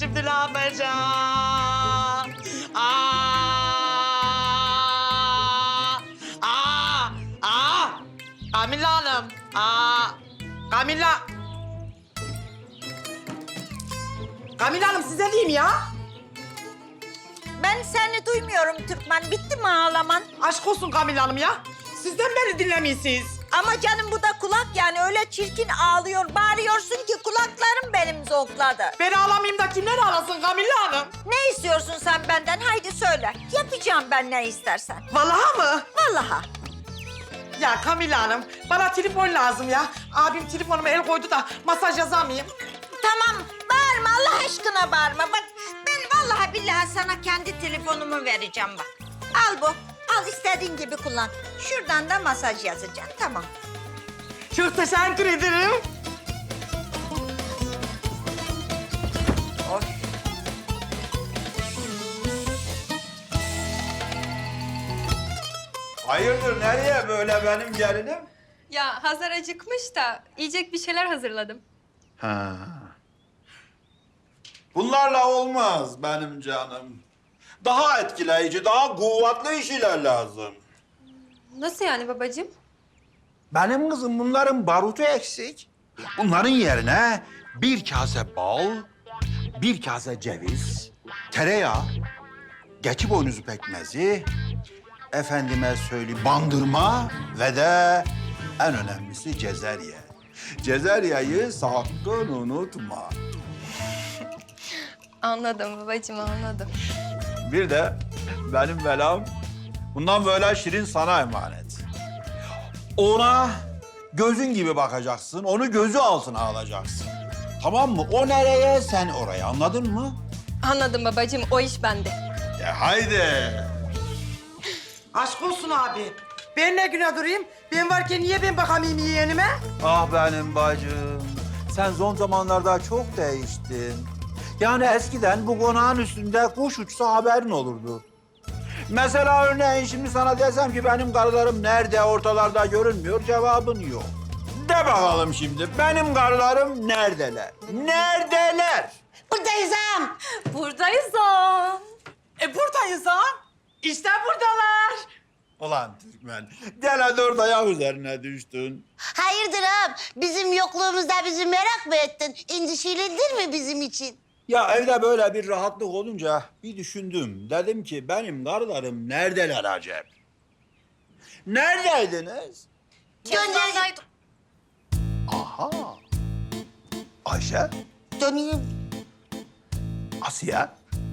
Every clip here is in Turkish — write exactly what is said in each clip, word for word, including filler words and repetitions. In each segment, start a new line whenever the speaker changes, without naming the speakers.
şimdi ne yapacağım? Aa! Aa! Aa! Kamilla Hanım. Aa! Kamilla. Kamilla Hanım size diyeyim ya.
Ben seni duymuyorum Türkmen. Bitti mi ağlaman?
Aşk olsun Kamilla Hanım ya. Sizden beni dinlemiyorsunuz.
Ama canım bu da kulak yani. Öyle çirkin ağlıyor, bağırıyorsun ki kulaklarım benim zonkladı.
Ben ağlamayayım da kimler ağlasın Kamilla Hanım?
Ne istiyorsun sen benden? Haydi söyle. Yapacağım ben ne istersen.
Vallahi mı?
Vallahi.
Ya Kamilla Hanım, bana telefon lazım ya. Abim telefonuma el koydu da masaj yazamayayım.
Tamam, bağırma Allah aşkına bağırma. Bak ben vallahi billahi sana kendi telefonumu vereceğim bak. Al bu, al istediğin gibi kullan. Şuradan da masaj yazacağım, tamam.
Çok teşekkür ederim.
Of.
Hayırdır nereye böyle benim gelinim?
Ya Hazar acıkmış da yiyecek bir şeyler hazırladım.
Ha. Bunlarla olmaz benim canım. Daha etkileyici, daha kuvvetli işler lazım.
Nasıl yani babacığım?
Benim kızım bunların barutu eksik. Bunların yerine bir kase bal, bir kase ceviz, tereyağı, keçi boynuzu pekmezi, efendime söyleyeyim bandırma ve de en önemlisi cezerye. Cezeryayı sakın unutma.
Anladım babacığım, anladım.
Bir de benim belam bundan böyle Şirin sana emanet. Ona gözün gibi bakacaksın, onu gözü altına alacaksın. Tamam mı? O nereye, sen oraya. Anladın mı?
Anladım babacığım, o iş bende.
De haydi.
Aşk olsun abi. Ben ne güne durayım? Ben varken niye ben bakamayayım yeğenime?
Ah benim bacım. Sen son zamanlarda çok değiştin. Yani eskiden bu konağın üstünde kuş uçsa haberin olurdu. Mesela örneğin şimdi sana desem ki benim karılarım nerede, ortalarda görünmüyor, cevabın yok. De bakalım şimdi, benim karılarım neredeler? Neredeler?
Buradayız ağam.
Buradayız o.
E buradayız ha. İşte buradalar.
Ulan Türkmen, gene dört ayak üzerine düştün.
Hayırdır ağam? Bizim yokluğumuzda bizi merak mı ettin? İndişilindir mi bizim için?
Ya evde böyle bir rahatlık olunca bir düşündüm. Dedim ki benim karılarım neredeler acep? Neredeydiniz?
Gönderdim.
Aha. Ayşe,
Döneyim.
Asiye,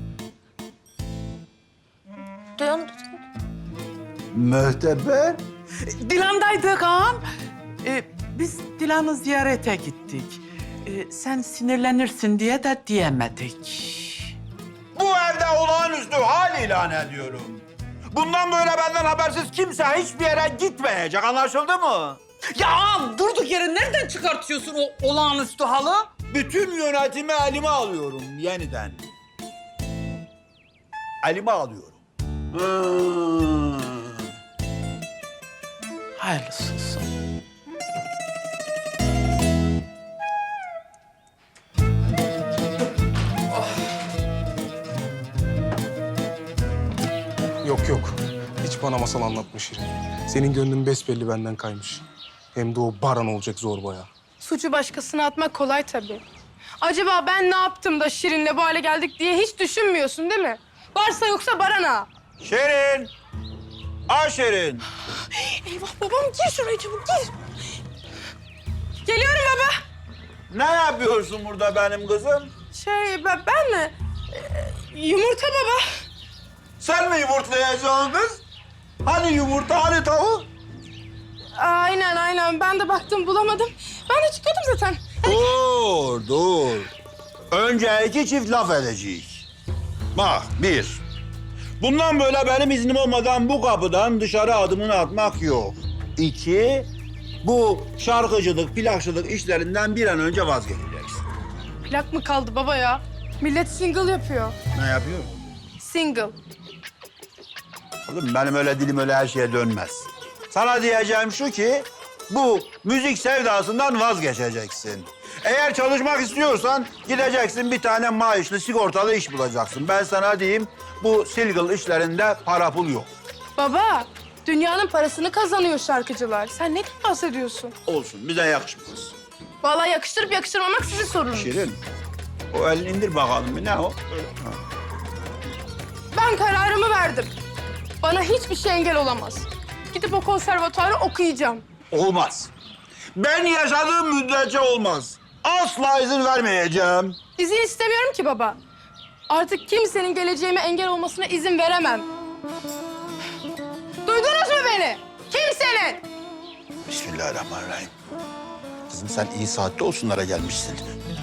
Dön.
Möhteber.
Dilan'daydık ağam. Ee, biz Dilan'ı ziyarete gittik. Ee, sen sinirlenirsin diye de diyemedik.
Bu evde olağanüstü hal ilan ediyorum. Bundan böyle benden habersiz kimse hiçbir yere gitmeyecek, anlaşıldı mı?
Ya ağam durduk yere nereden çıkartıyorsun o olağanüstü halı?
Bütün yönetimi elime alıyorum yeniden. Elime alıyorum. Hmm.
Hayırlısı olsun.
Yok yok. Hiç bana masal anlatma Şirin. Senin gönlün besbelli benden kaymış. Hem de o Baran olacak zorbaya.
Suçu başkasına atmak kolay tabii. Acaba ben ne yaptım da Şirin'le bu hale geldik diye hiç düşünmüyorsun değil mi? Varsa yoksa Baran'a.
Şirin! Ay Şirin!
Eyvah babam gir şuraya çabuk gir. Geliyorum baba.
Ne yapıyorsun burada benim kızım?
Şey ben, ben mi? Ee, yumurta baba.
Sen mi yumurtlayacaksın kız? Hani yumurta, hani tavuk?
Aynen aynen ben de baktım bulamadım. Ben de çıkıyordum zaten.
Dur, dur. Önce iki çift laf edeceğiz. Bak, bir. Bundan böyle benim iznim olmadan bu kapıdan dışarı adımını atmak yok. İki, bu şarkıcılık, plakçılık işlerinden bir an önce vazgeçeceksin.
Plak mı kaldı baba ya? Millet single yapıyor.
Ne yapıyor?
Single.
Oğlum benim öyle dilim öyle her şeye dönmez. Sana diyeceğim şu ki, bu müzik sevdasından vazgeçeceksin. Eğer çalışmak istiyorsan gideceksin bir tane maaşlı sigortalı iş bulacaksın. Ben sana diyeyim bu silgıl işlerinde para pul yok.
Baba, dünyanın parasını kazanıyor şarkıcılar. Sen ne bahsediyorsun?
Olsun bize yakışmaz.
Vallahi yakıştırıp yakıştırmamak sizin sorununuz.
Şirin o elini indir bakalım bir ne o? Ha.
Ben kararımı verdim. Bana hiçbir şey engel olamaz. Gidip o konservatuarı okuyacağım.
Olmaz. Ben yaşadığım müddetçe olmaz. Asla izin vermeyeceğim.
İzin istemiyorum ki baba. Artık kimsenin geleceğime engel olmasına izin veremem. Duydunuz mu beni? Kimsenin!
Bismillahirrahmanirrahim. Kızım sen iyi saatte olsunlara gelmişsin.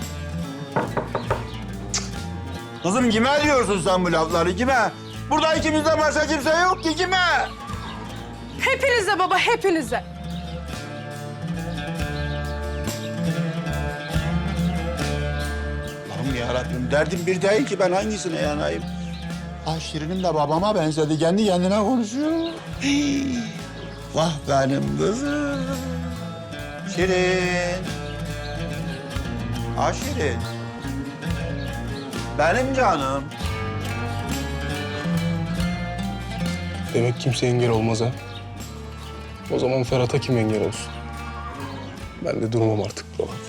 Kızım kime diyorsun sen bu lafları kime? Burada ikimizden başka kimse yok ki kime?
Hepinize baba, hepinize.
Allah'ım yarabbim derdim bir değil ki ben hangisine yanayım? Ah Şirin'im de babama benzedi. Kendi kendine konuşuyor. Hii. Vah benim kızım. Şirin. Ah Şirin. Benim canım.
Demek kimse engel olmaz ha. O zaman Ferhat'a kim engel olsun? Ben de durmam artık baba.